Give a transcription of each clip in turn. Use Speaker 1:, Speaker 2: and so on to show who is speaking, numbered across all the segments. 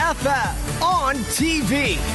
Speaker 1: FM on TV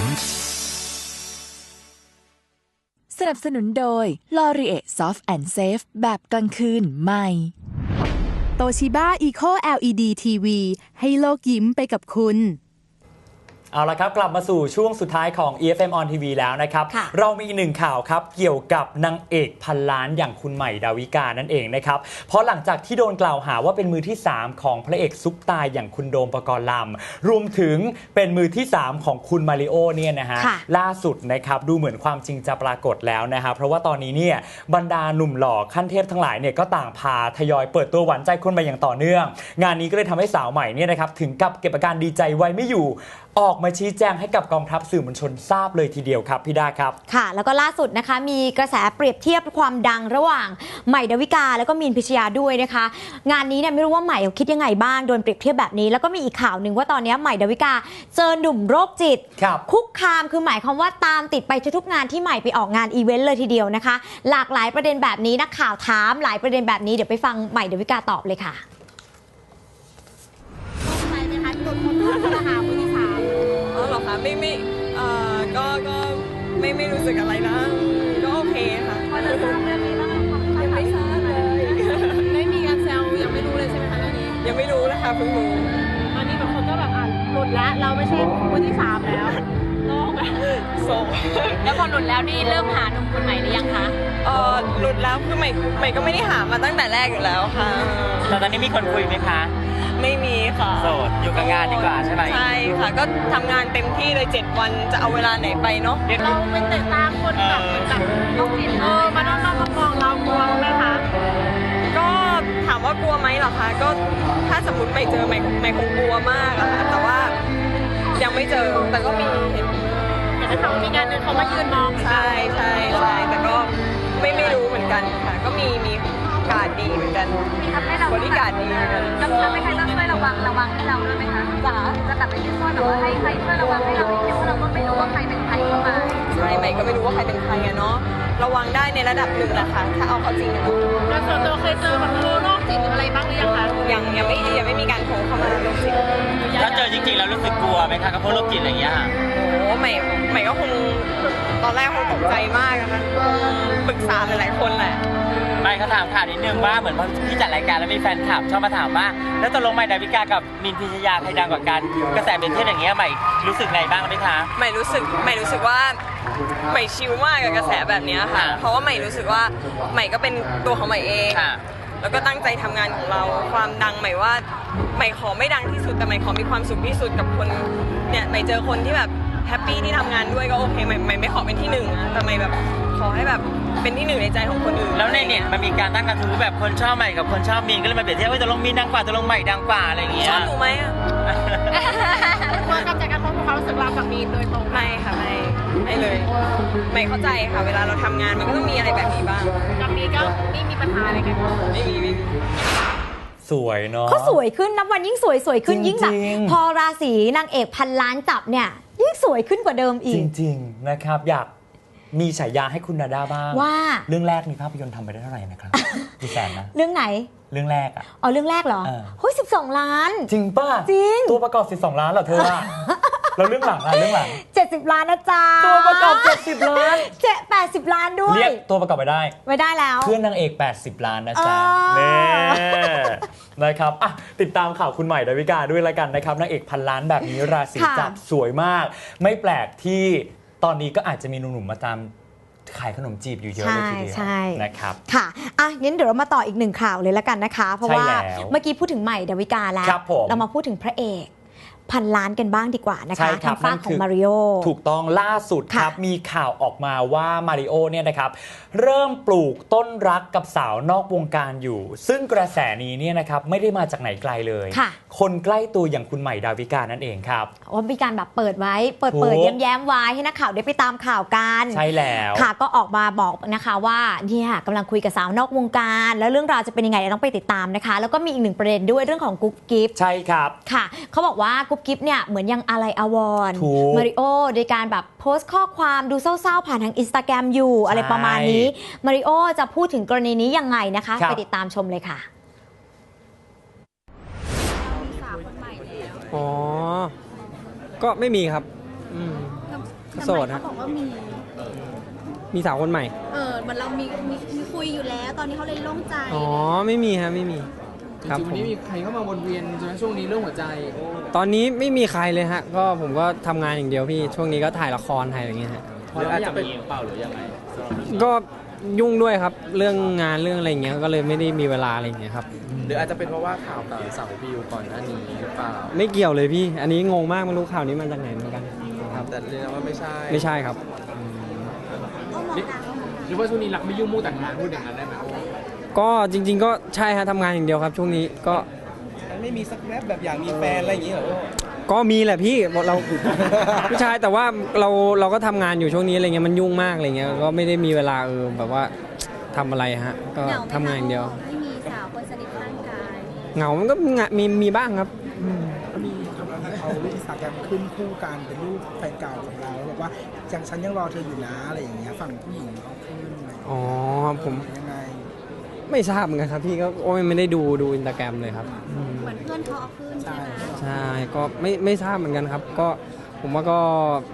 Speaker 2: สนับสนุนโดย L'Oreal Soft and Safe แบบกลางคืนใหม่โตชิบ้า Eco LED TV ให้โลกยิ้มไปกับคุณ
Speaker 3: เอาละครับกลับมาสู่ช่วงสุดท้ายของ EFM on TV แล้วนะครับเรามีอีกหนึ่งข่าวครับเกี่ยวกับนางเอกพันล้านอย่างคุณใหม่ดาวิกานั่นเองนะครับเพราะหลังจากที่โดนกล่าวหาว่าเป็นมือที่3ของพระเอกซุปตาอย่างคุณโดมปกรณ์ลำรวมถึงเป็นมือที่3ของคุณมาริโอเนี่ยนะฮะล่าสุดนะครับดูเหมือนความจริงจะปรากฏแล้วนะฮะเพราะว่าตอนนี้เนี่ยบรรดาหนุ่มหล่อขั้นเทพทั้งหลายเนี่ยก็ต่างพาทยอยเปิดตัวหวานใจคนมาอย่างต่อเนื่องงานนี้ก็เลยทำให้สาวใหม่เนี่ยนะครับถึงกับเก็บอาการดีใจไว้ไม่อยู่ออกมาชี้แจงให้กับกองทัพสื่อมวลชนทราบเลยทีเดียวครับพี่ดาครับ
Speaker 4: ค่ะแล้วก็ล่าสุดนะคะมีกระแสเปรียบเทียบความดังระหว่างใหม่ดาวิกาแล้วก็มีนพิชยาด้วยนะคะงานนี้เนี่ยไม่รู้ว่าใหม่คิดยังไงบ้างโดนเปรียบเทียบแบบนี้แล้วก็มีอีกข่าวหนึ่งว่าตอนนี้ใหม่ดาวิกาเจอหนุ่มโรคจิตคุกคามคือหมายความว่าตามติดไปทุกงานที่ใหม่ไปออกงานอีเวนต์เลยทีเดียวนะคะหลากหลายประเด็นแบบนี้นักข่าวถามหลายประเด็นแบบนี้เดี๋ยวไปฟังใหม่ดาวิกาตอบเลยค่ะ
Speaker 5: ไปไหมคะที่โดนคนหามือที่3หรอคะไม่ไม่รู้สึกอะไรนะก็โอเคค่ะพอจะทราบเรื่องนี้บ้างยังไม่ทราบเลยไม่มีการแซวยังไม่รู้เลยใช่ไหมคะเรื่องนี้ยังไม่รู้นะคะเพิ่งรู้ตอนนี้บางคนก็แบบหลุดแล้วเราไม่ใช่คนที่3แล้วโล่งโซ่แล้วพอหลุดแล้วนี่เริ่มหาหนุ่มคนใหม่หรือยังคะหลุดแล้วคือใหม่ก็ไม่ได้หามาตั้งแต่แรกอยู่แล้วค่ะ
Speaker 3: แต่ตอนนี้มีคนคุยไหมคะ
Speaker 5: ไม่มีค่ะ
Speaker 3: โสดอยู่กับงานดีกว่าใช่ไหม
Speaker 5: ใช่ค่ะก็ทำงานเต็มที่เลย7 วันจะเอาเวลาไหนไปเนาะเราเป็นแต่ตามคนแบบลูกศิษย์มาน้องๆมองเรากลัวไหมคะก็ถามว่ากลัวไหมเหรอคะก็ถ้าสมมติไม่เจอไม่คงกลัวมากอะค่ะแต่ว่ายังไม่เจอแต่ก็มีเห็นแต่เขามีงานนึงเขามายืนมองใช่แต่ก็ไม่รู้เหมือนกันค่ะก็มีการดีเหมือนกันบริการดีเหมือนกัน
Speaker 6: จะไม่ใครต้องช่วยระวังให้เราด้วยไหมคะจะกลับไปที่ซ่อนแบบว่าให้ใครช่วยระวังให้เราเพราะเราก็ไม่รู้ว่าใครเป็นใครเข้ามา
Speaker 5: ใช่ไหมก็ไม่รู้ว่าใครเป็นใครอะเนาะระวังได้ในระดับหนึ่งแหละค่ะถ้าเอาเขาจริงอะแล้วส่วนตัวเคยเจอแบบโรคจิตหรืออะไรบ้างหรือยังคะยังไม่มีการโทรเข้ามาโรคจิต
Speaker 3: ถ้าเจอจริงๆแล้วรู้สึกกลัวไหมคะกับพวกโรคจิตอะไรอย่างเงี้ย
Speaker 5: โอ้ใหม่ก็คงตอนแรกคงตกใจมากนะปรึกษาหลายๆคนแหละ
Speaker 3: ไม่เขาถามข่าวนิดนึงว่าเหมือนที่จัดรายการแล้วมีแฟนคลับชอบมาถามว่าแล้วตกลงใหม่ดาวิกากับมินพิชยาใครดังกว่ากันกระแสเป็นเช่นอย่างเงี้ยใหม่รู้สึกไงบ้างไหมคะ
Speaker 5: ใหม่รู้สึกว่าใหม่ชิลมากกับกระแสแบบนี้ค่ะเพราะว่าใหม่รู้สึกว่าใหม่ก็เป็นตัวของใหม่เองแล้วก็ตั้งใจทำงานของเราความดังใหม่ว่าใหม่ขอไม่ดังที่สุดแต่ใหม่ขอมีความสุขที่สุดกับคนเนี่ยใหม่เจอคนที่แบบแฮปปี้ที่ทำงานด้วยก็โอเคใหม่ไม่ขอเป็นที่1นะแต่ใหม่แบบขอให้แบบเป็นที่1ในใจของคนอื่น
Speaker 3: แล้วในเน็ตมันมีการตั้งกระทู้แบบคนชอบใหม่กับคนชอบมีนก็เลยมาเปรียบเทียบว่าจะลงมีนดังกว่าจะลงใหม่ดังกว่าอะไรอย่างเงี้ย
Speaker 5: ชอบหนูไหมอ่ะ
Speaker 6: ว่ากับจากการพบความรู้สึกเรากับมีนโดยตรง
Speaker 5: ไม่ค่ะไม่เลยไม่เข้าใจค่ะเวลาเราทำงานมันก็ต้องมีอะไรแบบนี้บ้าง
Speaker 6: กับมีก็ไม่มีปัญหาอะไรกัน
Speaker 5: ไม่มี
Speaker 3: สวยเนาะ
Speaker 4: เขาสวยขึ้นนับวันยิ่งสวยขึ้นยิ่งแบบพอราศีนางเอกพันล้านจับเนี่ยยิ่งสวยขึ้นกว่าเดิมอีก
Speaker 3: จริงๆนะครับอยากมีฉายาให้คุณนาดาบ้าง
Speaker 4: ว่า
Speaker 3: เรื่องแรกมีภาพยนตร์ทำไปได้เท่าไหร่นะครับกี่แสนนะ
Speaker 4: เรื่องไหน
Speaker 3: เรื่องแรกอะ
Speaker 4: เรื่องแรกเหรอเฮ้ย12 ล้าน
Speaker 3: จริงป่ะ
Speaker 4: จริง
Speaker 3: ตัวประกอบ12 ล้านเหรอเธอแล้วเรื่องหลัง
Speaker 4: 70 ล้านนะจ๊ะ
Speaker 3: ตัวประกอบ70 ล้าน
Speaker 4: 80 ล้านด้วย
Speaker 3: เรียกตัวประกอบไปได้
Speaker 4: แล้ว
Speaker 3: เพื่อนนางเอก80 ล้านนะจ๊ะนี่นะครับติดตามข่าวคุณใหม่ดาวิกาด้วยละกันนะครับนางเอกพันล้านแบบนี้ราศีจับสวยมากไม่แปลกที่ตอนนี้ก็อาจจะมีหนุ่มๆมาตามขายขนมจีบอยู่เยอะเลยทีเดียวนะครับ
Speaker 4: ค่ะงั้นเดี๋ยวเรามาต่ออีก1ข่าวเลยละกันนะคะเพราะว่าเมื่อกี้พูดถึงใหม่ดาวิกาแล้วเรามาพูดถึงพระเอกพันล้านกันบ้างดีกว่านะคะทางฝั่งของมาริโอ
Speaker 3: ถูกต้องล่าสุดครับมีข่าวออกมาว่ามาริโอเนี่ยนะครับเริ่มปลูกต้นรักกับสาวนอกวงการอยู่ซึ่งกระแสนี้เนี่ยนะครับไม่ได้มาจากไหนไกลเลยคนใกล้ตัวอย่างคุณใหม่ดาวิกานั่นเองครับ
Speaker 4: ว่ามีการแบบเปิดไว้เปิดแย้มๆไว้ให้นักข่าวได้ไปตามข่าวกัน
Speaker 3: ใช่แล้ว
Speaker 4: ค่ะก็ออกมาบอกนะคะว่าเนี่ยกำลังคุยกับสาวนอกวงการแล้วเรื่องราวจะเป็นยังไงต้องไปติดตามนะคะแล้วก็มีอีก1ประเด็นด้วยเรื่องของกุ๊บกิ๊บ
Speaker 3: ใช่ครับ
Speaker 4: ค่ะเขาบอกว่ากุ๊บกิ๊บเนี่ยเหมือนยังอะไรอาวรณ์มาริโอโดยการแบบโพสต์ข้อความดูเศร้าๆผ่านทาง Instagram อยู่อะไรประมาณนี้มาริโอจะพูดถึงกรณีนี้ยังไงนะคะไปติดตามชมเลยค่ะ
Speaker 7: อ๋อก็ไม่มีครับโสดฮะ
Speaker 8: เขาบอกว่า
Speaker 7: มีสาวคนใหม่
Speaker 8: เหมือนเรามีคุยอยู่แล้ว ตอนนี้เขาเลยโล่งใจ
Speaker 7: อ๋อไม่มีฮะไม่มีครับ
Speaker 9: จริงๆวันนี้มีใครเข้ามาวนเวียนใช่ไหมช่วงนี้เรื่องหัวใจ
Speaker 7: ตอนนี้ไม่มีใครเลยฮะก็ผมก็ทำงานอย่างเดียวพี่ช่วงนี้ก็ถ่ายละครถ่ายอะไรอย่างเงี้ยฮะ
Speaker 9: หรืออาจจะเป็นเปล่าหรือยังไง
Speaker 7: ก็ยุ่งด้วยครับเรื่องงานเรื่องอะไรอย่างเงี้ยก็เลยไม่ได้มีเวลาอะไรอย่างเงี้ยครับ
Speaker 9: หรืออาจจะเป็นเพราะว่าข่าวกับสาววิวก่อนหน้านี้หรือเปล่า
Speaker 7: ไม่เกี่ยวเลยพี่ อันนี้งงมากไม่รู้ข่าวนี้มาจากไหนเหมือนกันครับ
Speaker 9: แต่เรียกว่าไม่ใช่
Speaker 7: ไม่ใช่ครับ
Speaker 9: หรือว่าช่วงนี้รักไม่ยุ่งมู่แต่งงานพูดอย่างนั้นได้ไหม
Speaker 7: ก็จริง ๆ ก็ใช่ฮะทำงานอย่างเดียวครับ ช่วงนี้ก็
Speaker 9: ไม่มีสักแวบแบบอยากมีแฟนอะไรอย่างนี้เหรอ
Speaker 7: ก็มีแหละพี่เรา ผู้ชายแต่ว่าเราก็ทำงานอยู่ช่วงนี้อะไรเงี้ยมันยุ่งมากอะไรเงี้ยก็ไม่ได้มีเวลาแบบว่าทำอะไรฮะก็ทำงานอย่างเดียว
Speaker 8: ไม่มีสาวคนสนิทข้างกาย
Speaker 7: เหงามันก็มีบ้างครับ
Speaker 10: มีเขารูปอินสตาแกรมขึ้นคู่กันเป็นรูปแฟนเก่าของเราบอกว่าฉันยังรอเธออยู่นะอะไรอย่างเงี้ยฝั่งผู้หญิงเขาขึ้น
Speaker 7: อ๋อผม
Speaker 10: ยังไง
Speaker 7: ไม่ทราบเหมือนกันครับพี่ก็โอ้ยไม่ได้ดูอินสตาแกรมเลยครับ
Speaker 8: เหมือนเพื่อนเขาเอาขึ้นใช่ไหม
Speaker 7: ใช่ก็ไม่ทราบเหมือนกันครับ ก็ผมว่าก็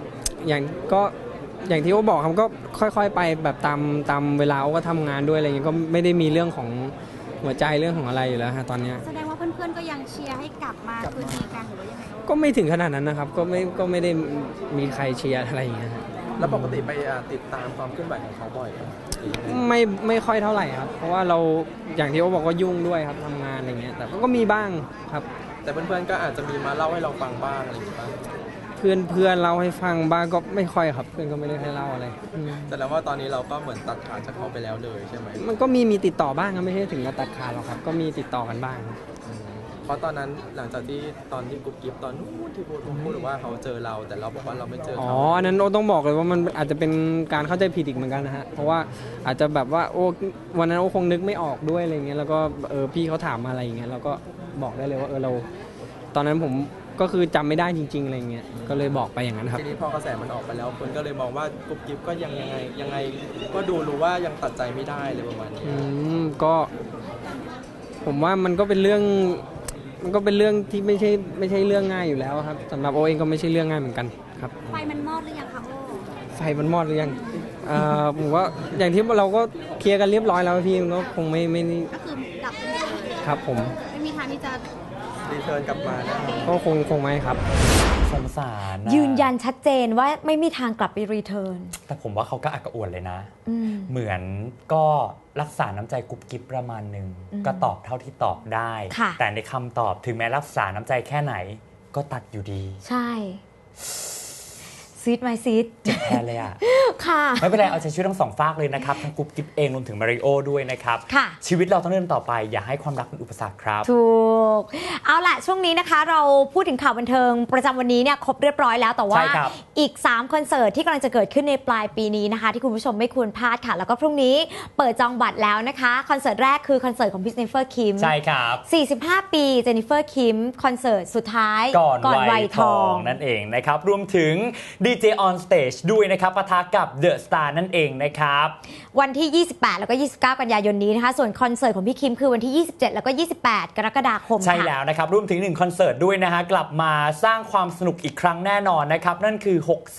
Speaker 7: อย่างที่โอ้บอกครับก็ค่อยๆไปแบบตามเวลาโอ้ก็ทำงานด้วยอะไรเงี้ยก็ไม่ได้มีเรื่องของหัวใจเรื่องของอะไรอยู่แล้วฮะตอนเนี้ย
Speaker 8: แสดงว่าเพื่อนๆก็ยังเชียร์ให้กลับมาคืนดีกันหรือว่ายังไง
Speaker 7: ก็ไม่ถึงขนาดนั้นนะครับก็ไม่ได้มีใครเชียร์อะไรอย่างเงี้ยฮะ
Speaker 9: แล้วปกติไปติดตามความเคลื่อนไหวของเขาบ่อยไหม
Speaker 7: ไม่ค่อยเท่าไหร่ครับเพราะว่าเราอย่างที่โอ้บอกว่ายุ่งด้วยครับทำงานอะไรเงี้ยแต่ก็มีบ้างครับ
Speaker 9: แต่เพื่อนๆก็อาจจะมีมาเล่าให้เราฟังบ้างอะไรอย่างเงี้ยบ้าง
Speaker 7: เพื่อนเล่าให้ฟังบ้างก็ไม่ค่อยครับเพื่อนก็ไม่ได้ให้เล่าอะไร
Speaker 9: แต่แล้วว่าตอนนี้เราก็เหมือนตัดขาดจากเขาไปแล้วเลยใช่ไหม
Speaker 7: มันก็มีติดต่อบ้างครับไม่ใช่ถึงกับตัดขาดหรอกครับก็มีติดต่อกันบ้าง
Speaker 9: เพราะตอนนั้นหลังจากที่ตอนที่กุ๊บกิ๊บตอนนู้นที่พูดว่าเขาเจอเราแต่เราบอกว่าเราไม่เจอ
Speaker 7: อ๋อ
Speaker 9: เขา
Speaker 7: อันนั้นโอ้ต้องบอกเลยว่ามันอาจจะเป็นการเข้าใจผิดอีกเหมือนกันนะฮะเพราะว่าอาจจะแบบว่าโอ้วันนั้นโอ้คงนึกไม่ออกด้วยอะไรเงี้ยแล้วก็พี่เขาถามมาอะไรอย่างเงี้ยเราก็บอกได้เลยว่าเราตอนนั้นผมก็คือจำไม่ได้จริงๆอะไรเงี้ยก็เลยบอกไปอย่างนั้นครับ
Speaker 9: ทีนี้พอกระแสมันออกไปแล้วคนก็เลยมองว่ากุ๊บกิ๊บก็ยังไงก็ดูรู้ว่ายังตัดใจไม่ได้เลยประมาณนี้
Speaker 7: ก็ผมว่ามันก็เป็นเรื่องที่ไม่ใช่เรื่องง่ายอยู่แล้วครับสำหรับโอเองก็ไม่ใช่เรื่องง่ายเหมือนกันครับ
Speaker 8: ไฟมันมอดหรือยังคะโอ้
Speaker 7: ไฟมันมอดหรือยังผมว่าอย่างที่เราก็เคลียร์กันเรียบร้อยแล้วพี่มันก็คงไม่
Speaker 8: ก็คือดับไปเลย
Speaker 7: ครับผม
Speaker 8: ไม่มีทางที่จะ
Speaker 9: รีเทิร์นกลับมานะ
Speaker 7: ก็คงไม่ครับ
Speaker 3: สงสารนะ
Speaker 4: ยืนยันชัดเจนว่าไม่มีทางกลับไปรีเทิร์น
Speaker 3: แต่ผมว่าเขาก็อักกระอ่วนเลยนะ เหมือนก็รักษาน้ำใจกุ๊บกิ๊บประมาณหนึ่งก็ตอบเท่าที่ตอบได้ แต่ในคำตอบถึงแม้รักษาน้ำใจแค่ไหนก็ตัดอยู่ดี
Speaker 4: ใช่ซีดไหมซีด
Speaker 3: เจ็บแทนเลยอ่ะ
Speaker 4: ค่ะ
Speaker 3: ไม่เป็นไรเอาใจช่วยทั้งสองฝากเลยนะครับทั้งกุ๊บกิ๊บเองรวมถึงมาริโอด้วยนะครับ
Speaker 4: ค่ะ
Speaker 3: ชีวิตเราต้องเดินต่อไปอย่าให้ความรักเป็นอุปสรรคครับ
Speaker 4: ถูกเอาล่ะช่วงนี้นะคะเราพูดถึงข่าวบันเทิงประจำวันนี้เนี่ยครบเรียบร้อยแล้วแต่ว่า
Speaker 3: ใช่ครับ
Speaker 4: อีก3คอนเสิร์ตที่กำลังจะเกิดขึ้นในปลายปีนี้นะคะที่คุณผู้ชมไม่ควรพลาดค่ะแล้วก็พรุ่งนี้เปิดจองบัตรแล้วนะคะคอนเสิร์ตแรกคือคอนเสิร์ตของพี่เจนนิเฟอร์คิม
Speaker 3: ใช่ครับ
Speaker 4: 45 ปีเจนนิเฟอร์คิมคอนเสิร์ตสุดท้าย
Speaker 3: ก่อน
Speaker 4: วั
Speaker 3: วั
Speaker 4: ย
Speaker 3: ย
Speaker 4: ท
Speaker 3: ท
Speaker 4: อ
Speaker 3: อง งนั่นเองนะครับรวมถึง DJ on stage ด้วยนะครับปะทะกับ The Star นั่นเองนะครับ
Speaker 4: วันที่ 28 แล้วก็ 29 กันยายนนี้นะคะส่วนคอนเสิร์ตของพี่คิมคือวันที่ 27 แล้วก็ 28 กรกฎาคม
Speaker 3: ใช่
Speaker 4: ค่ะ
Speaker 3: แล้วนะครับรวมถึง1คอนเสิร์ตด้วยนะฮะกลับมาสร้างความสนุกอีกครั้งแน่นอนนะครับนั่นคือ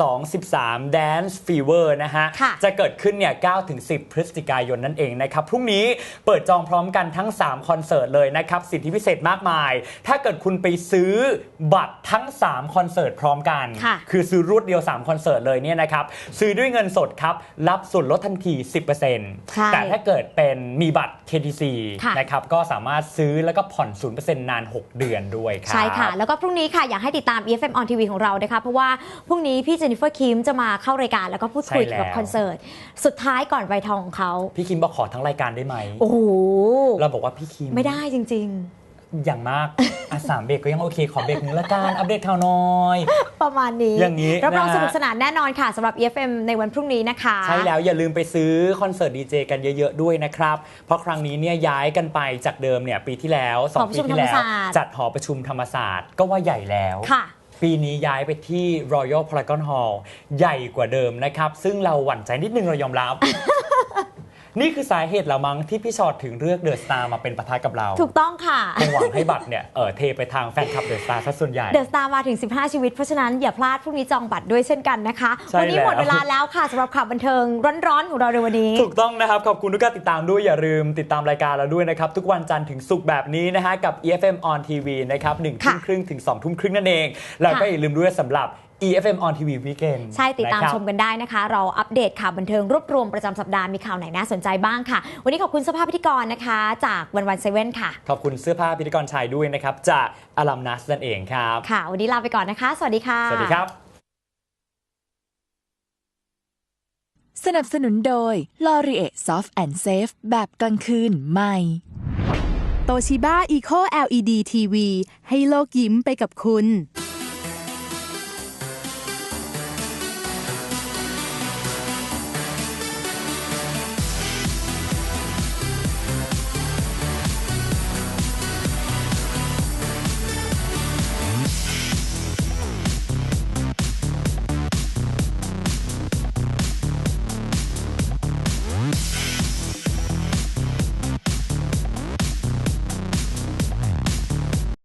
Speaker 3: 6213 Dance Fever นะฮะ
Speaker 4: ค่ะ
Speaker 3: จะเกิดขึ้นเนี่ย 9-10 พฤศจิกายนนั่นเองนะครับพรุ่งนี้เปิดจองพร้อมกันทั้ง3คอนเสิร์ตเลยนะครับสิทธิพิเศษมากมาย ถ้าเกิดคุณไปซื้อบัตรทั้ง3คอนเสิร์ตพร้อมกัน
Speaker 4: ค่ะ
Speaker 3: คือซื้อรวดเดียว3คอนเสิร์ตเลยเนี่ยนะครับซื้อด้วยเงินสดครับรับส่วนลดทันที 10% แต่ถ้าเกิดเป็นมีบัตร KTC
Speaker 4: ค่ะ
Speaker 3: นะครับก็สามารถซื้อแล้วก็ผ่อน 0% นาน 6 เดือนด้วยครับ
Speaker 4: ใช่ค่ะ แล้วก็พรุ่งนี้ค่ะอยากให้ติดตาม EFM on TV ของเรานะคะเพราะว่าพรุ่งนี้พี่เจนนิเฟอร์คิมจะมาเข้ารายการแล้วก็พูดคุย
Speaker 3: ใช่แล้ว
Speaker 4: เกี่ยวกับคอนเสิร์ตสุดท้ายก่อนวัยทองของเขา
Speaker 3: พี่คิมบอกขอทั้งรายการได้ไหม
Speaker 4: โอ้โห
Speaker 3: เราบอกว่าพี่คิม
Speaker 4: ไม่ได้จริง
Speaker 3: อย่างมาก 3 เบรกก็ยังโอเค ขอเบรกหนึ่งละกันอัปเดตข่าวน้อย
Speaker 4: ๆ ประมาณนี้
Speaker 3: อย่างนี้
Speaker 4: รับรอง
Speaker 3: นะฮะ
Speaker 4: สนุกสนานแน่นอนค่ะสำหรับ EFM ในวันพรุ่งนี้นะคะ
Speaker 3: ใช่แล้วอย่าลืมไปซื้อคอนเสิร์ตดีเจกันเยอะๆด้วยนะครับ เพราะครั้งนี้เนี่ยย้ายกันไปจากเดิมเนี่ยปีที่แล้ว 2 ปีที่แล้ว จัดหอประชุมธรรมศาสตร์ก็ว่าใหญ่แล้ว
Speaker 4: ค่ะ
Speaker 3: ปีนี้ย้ายไปที่ Royal Paragon Hall ใหญ่กว่าเดิมนะครับ ซึ่งเราหวั่นใจนิดนึงเรายอมรับนี่คือสาเหตุละมั้งที่พี่ชอตถึงเลือกเดอะสตาร์มาเป็นปะทะกับเรา
Speaker 4: ถูกต้องค่ะ
Speaker 3: คงหวังให้บัตรเนี่ยเทไปทางแฟนคลับเดอะสตาร์ซะส่วนใหญ่
Speaker 4: เดอะสตาร์มาถึง15ชีวิตเพราะฉะนั้นอย่าพลาดพรุ่งนี้จองบัตรด้วยเช่นกันนะคะ
Speaker 3: ใช่
Speaker 4: วันนี้หมด
Speaker 3: แล้ว
Speaker 4: เวลาแล้วค่ะสำหรับข่าวบันเทิงร้อนๆของเราในวันนี้
Speaker 3: ถูกต้องนะครับขอบคุณทุกการติดตามด้วยอย่าลืมติดตามรายการเราด้วยนะครับทุกวันจันทร์ถึงศุกร์แบบนี้นะฮะกับ EFM on TV นะครับ 1:30 ถึง 2:30 นั่นเองแล้วก็อย่าลืมด้วยสำหรับ EFM on TV Weekend
Speaker 4: ใช่ติดตามชมกันได้นะคะ เราอัปเดตข่าวบันเทิงรวบรวมประจำสัปดาห์มีข่าวไหนน่าสนใจบ้างค่ะ วันนี้ขอบคุณเสื้อผ้าพิธีกรนะคะ จากวันเซเว่นค่ะ
Speaker 3: ขอบคุณเสื้อผ้าพิธีกรชายด้วยนะครับจากอลัมนัสนั่นเองครับ
Speaker 4: ค่ะ วันนี้ลาไปก่อนนะคะ สวัสดีค่ะ
Speaker 3: สวัสดีครับ
Speaker 2: สนับสนุนโดย L'Oreal Soft and Safe แบบกลางคืนใหม่โตชิบ้า Eco LED TV ให้โลกยิ้มไปกับคุณ